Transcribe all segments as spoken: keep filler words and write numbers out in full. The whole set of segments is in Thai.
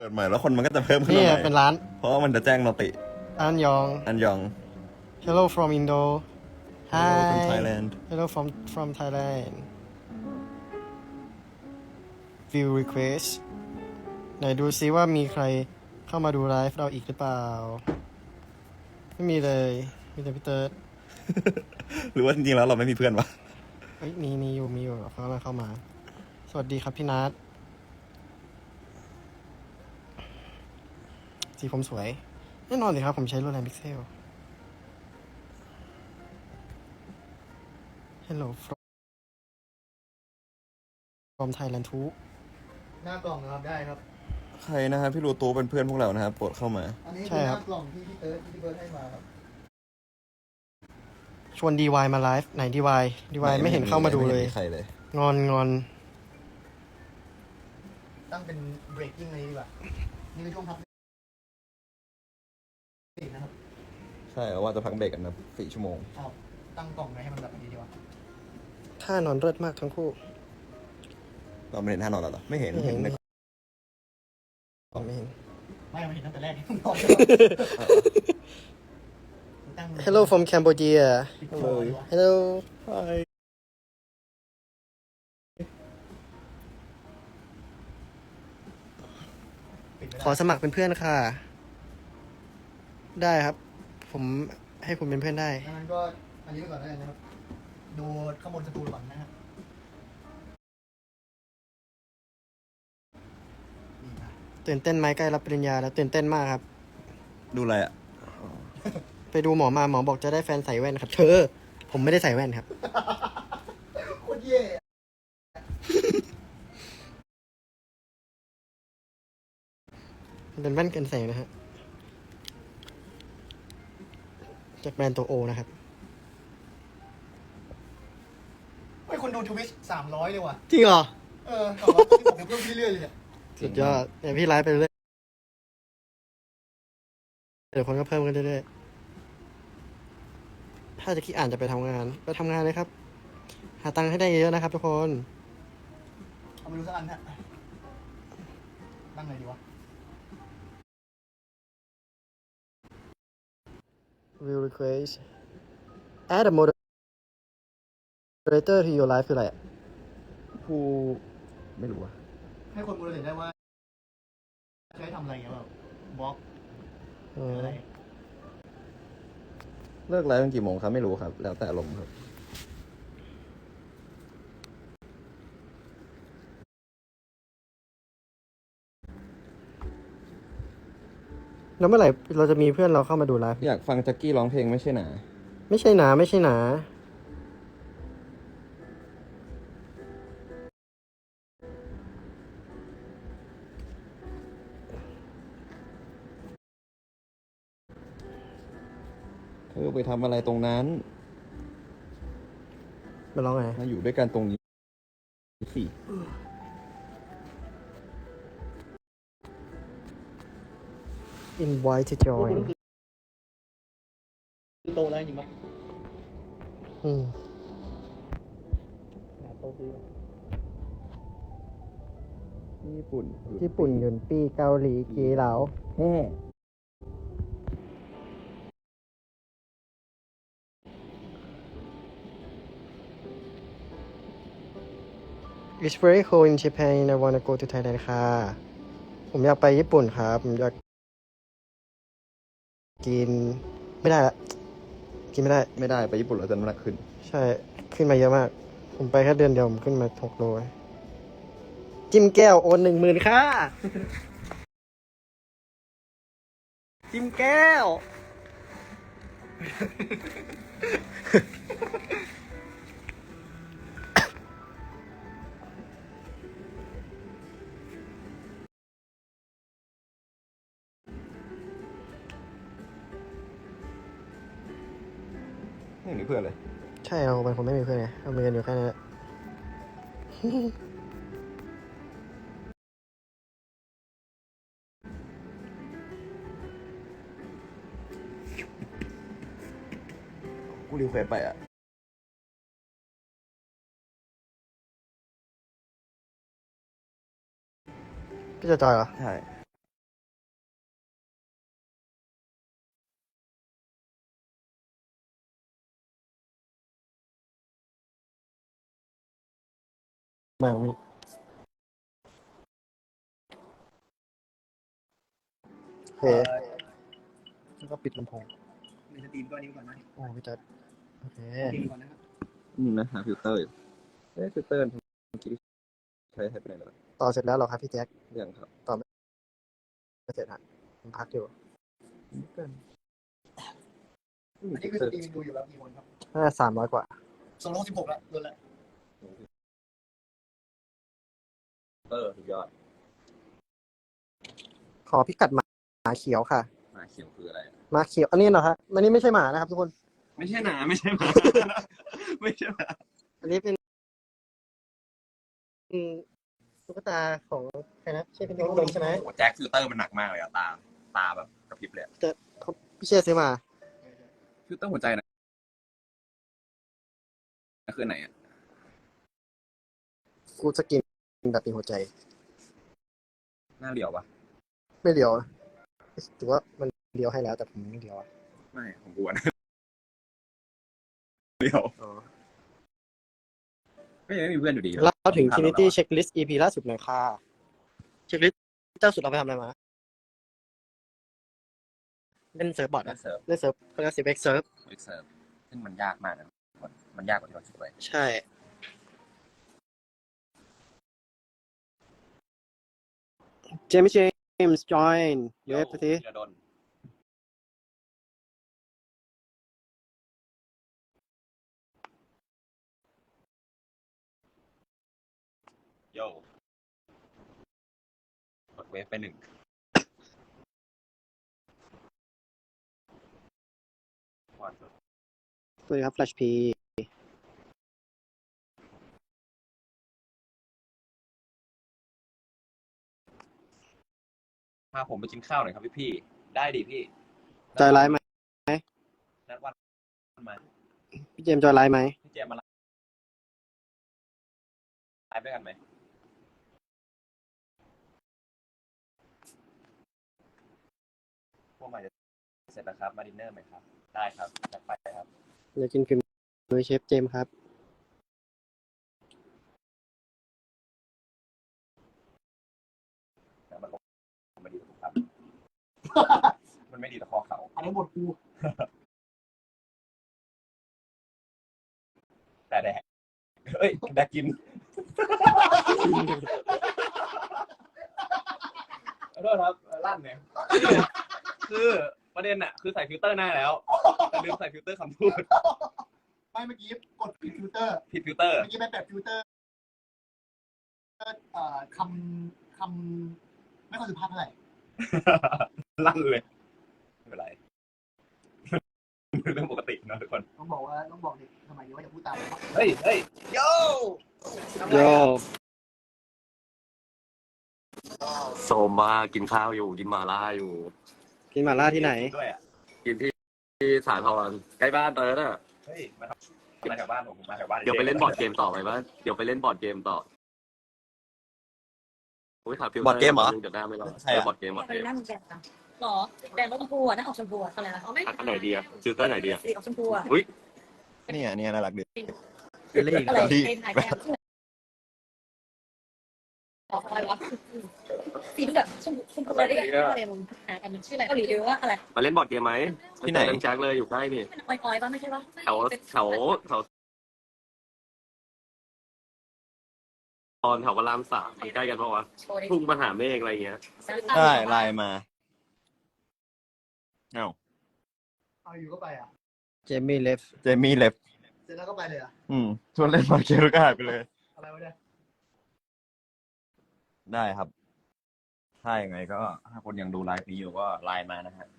ดใหม่แล้วคนมันก็จะเพิ่มขึ้นนี่มาใหม่เป็นร้านเพราะว่ามันจะแจ้งเราติอันยองอันยอง Hello from Indo Hello from Hi Thailand Hello from from Thailand View request ไหนดูซิว่ามีใครเข้ามาดูไลฟ์เราอีกหรือเปล่า ไม่มีเลย มีแต่พี่เติร์ดหรือว่าจริงๆแล้วเราไม่มีเพื่อนวะเอ้ยมีมีอยู่มีอยู่เขากำลังเข้ามา สวัสดีครับพี่นัทสีผมสวย แน่นอนสิครับ ผมใช้โรแลนด์พิกเซล Hello from from Thailand too หน้ากล่องนะครับได้ครับใครนะครับพี่รูตูเป็นเพื่อนพวกเรานะครับโปรดเข้ามาอันนี้ใช่คือหครัน้าบกล่องที่พี่เติร์ดที่พี่เบิร์ดให้มาครับชวน ดี วาย มาไลฟ์ไหน ดี วาย ดี วาย ไม่เห็นเข้ามาดูเลยไห็นมีใครเลยงอนงอนตั้งเป็น breaking เลยดีกว่านี่เป็นช่วงพักเบรกนะครับใช่แล้วว่าจะพักเบรกกันนะสี่ชั่วโมงเอาตั้งกล่องไว้ให้มันแบบนี้ดีกว่าท่านอนเลิศมากทั้งคู่เราไม่เห็นท่านอนแล้วเหรอไม่เห็นไม่เห็นเห็นในผมไม่เห็นไม่มันเห็นตั้งแต่แรกที่นอนตั้ง Hello from Cambodia ปิดคอดีกว่า Hello Hi ปิดไม่ขได้อสมัครเป็นเพื่อนค่ะ ได้ครับ ผมให้คุณเป็นเพื่อนได้ดังนั้นก็อันนี้ไปก่อนแล้วกันนะครับ ดูข้างบนสตูก่อนนะครับนี่นะตื่นเต้นไหมใกล้รับปริญญาแล้วตื่นเต้นมากครับดูอะไรอ่ะไปดูหมอมาหมอบอกจะได้แฟนใส่แว่นครับ เธอ ผมไม่ได้ใส่แว่นครับโคตรเย่อะมันเป็นแว่นกันแสงนะฮะ จากแบรนด์ตัวโอนะครับเฮ้ยคนดูทวิชสามร้อยเลยว่ะจริงเหรอเออเอาวะที่ผมเดี๋ยวเพิ่มเรื่อยๆเลยเนี่ยสุดยอดเดี๋ยวพี่ไลฟ์ไปเรื่อยเดี๋ยวคนก็เพิ่มกันเรื่อยๆถ้าจะคิดอ่านจะไปทำงานไปทำงานเลยครับ หาตังค์ให้ได้เยอะๆนะครับทุกคนเอาไปดูสักอันฮะตั้งไหนดีวะ View request add a moderator to your live คืออะไรอ่ะผู้ไม่รู้อ่ะให้คนบริเวณได้ว่าใช้ทำอะไรเงี้ยแบบบล็อกอืหรือมอะไรเลิกไลฟ์เป็นกี่โมงครับไม่รู้ครับ แล้วแต่ลมณ์ครับแล้วเมื่อไหร่เราจะมีเพื่อนเราเข้ามาดูไลฟ์อยากฟังแจ็คกี้ร้องเพลงไม่ใช่หนาไม่ใช่หนาไม่ใช่หนาเธอไปทำอะไรตรงนั้นมาร้องไงมาอยู่ด้วยกันตรงนี้สิ invite to join โตแล้วจริงปะอืมโตคือญี่ปุ่นญี่ปุ่นหยุนปีเกาหลีกีเหลาแฮ่ It's very cold in Japan and I wanna go to Thailand ค่ะ ผมอยากไปญี่ปุ่นครับ ผมอยากกิน ไม่ได้ละ กินไม่ได้ไม่ได้ไปญี่ปุ่นเราจะน้ำหนักขึ้นใช่ ขึ้นมาเยอะมาก ผมไปแค่เดือนเดียว ผมขึ้นมาหกโล จิ้มแก้ว โอนหนึ่งหมื่นค่ะ จิ้มแก้วไม่มีเพื่อนเลยใช่เราเป็นคนไม่มีเพื่อนไงเรามีกันอยู่แค่นั้นแหละกูรีเควสไปอ่ะพี่จะจอยเหรอใช่มาวิโอเคแล้วก็ปิดลำโพงในสตรีมก็อันนี้ก่อนนะโอ้พี่เติร์ดโอเคสตรีมก่อนนะครับนี่นะหาฟิลเตอร์อยู่เอ้ยฟิลเตอร์เมื่อกี้ใช้ให้ไปไหนแล้วต่อเสร็จแล้วเหรอครับพี่แจ็คยังครับไม่เสร็จฮะผมพักอยู่อันนี้คือสตรีมดูอยู่แล้วกี่คนครับน่าจะสามร้อยกว่าสองร้อยสิบหกแล้วโดนละเตอร์สุดยอดขอพิกัดหมาหมาเขียวค่ะหมาเขียวคืออะไรอะหมาเขียว อันนี้เหรอฮะอันนี้ไม่ใช่หมานะครับทุกคนไม่ใช่หนาไม่ใช่หมา ไม่ใช่หมาอันนี้เป็นอืมตุ๊กตาของใครนะใช่เป็นน้องดมใช่ไหมโอ้แจ็คฟิลเตอร์มันหนักมากเลยอะตา ตาแบบกระพริบเลยอะแต่เขาพี่เชื่อซื้อมาฟิลเตอร์หัวใจนะคือไหนอ่ะกูจะกินแบบมีหัวใจหน้าเหลียวปะไม่เดียวนะถือว่ามันเดียวให้แล้วแต่ผมไม่เดียวอะไม่ของกูอะนะเหลียวอ๋อไม่ยังไม่มีเพื่อนอยู่ดีเล่าถึง Trinity Checklist อี พี ล่าสุดหน่อยค่ะ Checklist เจ้าสุดเราไปทำอะไรมา เล่นเซิร์ฟบอร์ดนัอะกเสิร์ฟเล่นเซิร์ฟเขาเรียกเซิร์ฟเอ็กเซิร์ฟเอ็กเสิร์ฟซึ่งมันยากมากนะมันยากกว่าที่เราคิดไว้ใช่ เจมส์เจมส์ join เว็บสิจะโดนโย่กดเวฟไปหนึ่ง วันสวัสดีครับ Flash P พาผมไปกินข้าวหน่อยครับพี่พี่ได้ดิพี่จอยไลฟ์ไหมนัดวันมาพี่เจมส์จอยไลฟ์ไหมพี่เจมมาไลฟ์ด้วยกันไหมพวกมันจะเสร็จแล้วครับมาดินเนอร์ไหมครับได้ครับจัดไปครับอยากกินฝีมือเชฟเจมส์ครับแล้วมันไม่ดีต่อครับ มันไม่ดีต่อคอเขาอันนี้หมดกูแต่แดกเอ้ยแดกกินขอโทษครับลั่นเนี่ยคือประเด็นอะคือใส่ฟิลเตอร์หน้าแล้วแต่ลืมใส่ฟิลเตอร์คำพูดไม่เมื่อกี้กดผิดฟิลเตอร์ผิดฟิลเตอร์เมื่อกี้ไปแปะฟิลเตอร์เอ่อคำคำไม่ค่อยสุภาพเท่าไหร่ลั่นเลยไม่เป็นไรเรื่องปกตินะทุกคนต้องบอกว่าต้องบอกเด็กสมัยนี้ว่าอย่าพูดตามนะครับเฮ้ยเฮ้ยโย่โยโซมมากินข้าวอยู่กินหมาล่าอยู่กินหม่าล่าที่ไหนด้วยอ่ะกินที่ที่สาทรใกล้บ้านเตอร์น่ะเฮ้ยมาทำมาแถวบ้านผมมาแถวบ้านเดี๋ยวไปเล่นบอร์ดเกมต่อไปบ้านเดี๋ยวไปเล่นบอร์ดเกมต่อโอ้ยถามฟิลบอร์ดเกมเหรอเดี๋ยวหน้าไม่รอดใช่อะบอร์ดเกมบอร์ดไปเกมนั่งแดงอะหรอแดงรถชมพูอ่ะนั่งออกชมพูอ่ะอะไรนะอ๋อไม่อันไหนดีอะฟิลเตอร์ไหนดีอะสีออกชมพูอ่ะอุ้ยนี่อ่ะนี่น่ารักดีเป็นเลขอะไรที่เป็นถ่ายแดงออกอะไรวะสีแบบชมพูชมพูอะไรเนี่ยอะไรมึงหากันมันชื่ออะไรเกาหลีหรือว่าอะไรมาเล่นบอร์ดเกมไหมที่ไหนเล่นแจ็คเลยอยู่ใกล้นี่มันอ่อยๆป่ะไม่ใช่ป่ะแถวแถวแถวตอนแถวพระรามสามมันใกล้กันเพราะว่าโชว์ดิทุ่งมหาเมฆอะไรเงี้ยได้ไลน์มาเอ้าเอาอยู่ก็ไปอ่ะเจมี่เลฟเจมี่เล็บเสร็จแล้วก็ไปเลยอ่ะอืมชวนเล่นบอลเกมก็หายไปเลยอะไรวะเนี่ยได้ครับ ถ้าอย่างไงก็ถ้าคนยังดูไลฟ์นี้อยู่ก็ไลน์มานะฮะ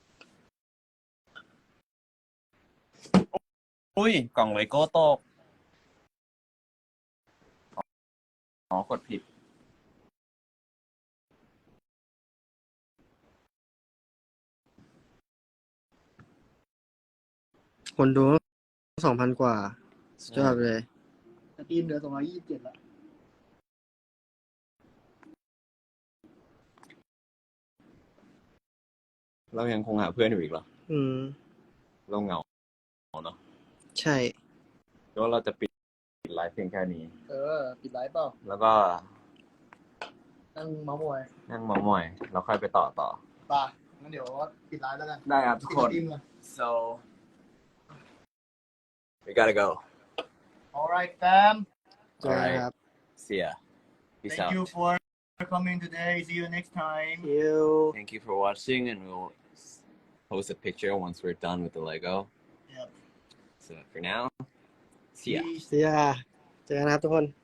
อุ้ย กล่องเลโก้ตก อ๋อ กดผิดคนดูสองพันกว่าสุดยอดเลยสตรีมเหลือสองร้อยยี่สิบเจ็ดแล้วเรายังคงหาเพื่อนอยู่อีกเหรออืมเราเหงาเนาะใช่แล้วเราจะปิดปิดไลฟ์เพียงแค่นี้เออ ปิดไลฟ์เปล่าแล้วก็นั่งเมาส์มอยนั่งเมามอยแล้วค่อยไปต่อต่อป่ะงั้นเดี๋ยวปิดไลฟ์แล้วกันได้ครับทุกปิดคนทีมเลย so we gotta go alright fam เจอกันครับ see ya peace thank out you for coming today see you next time you thank you for watching and we'll post a picture once we're done with the Lego Yep. so for now see ya Peace. เสียเจอกันนะครับทุกคน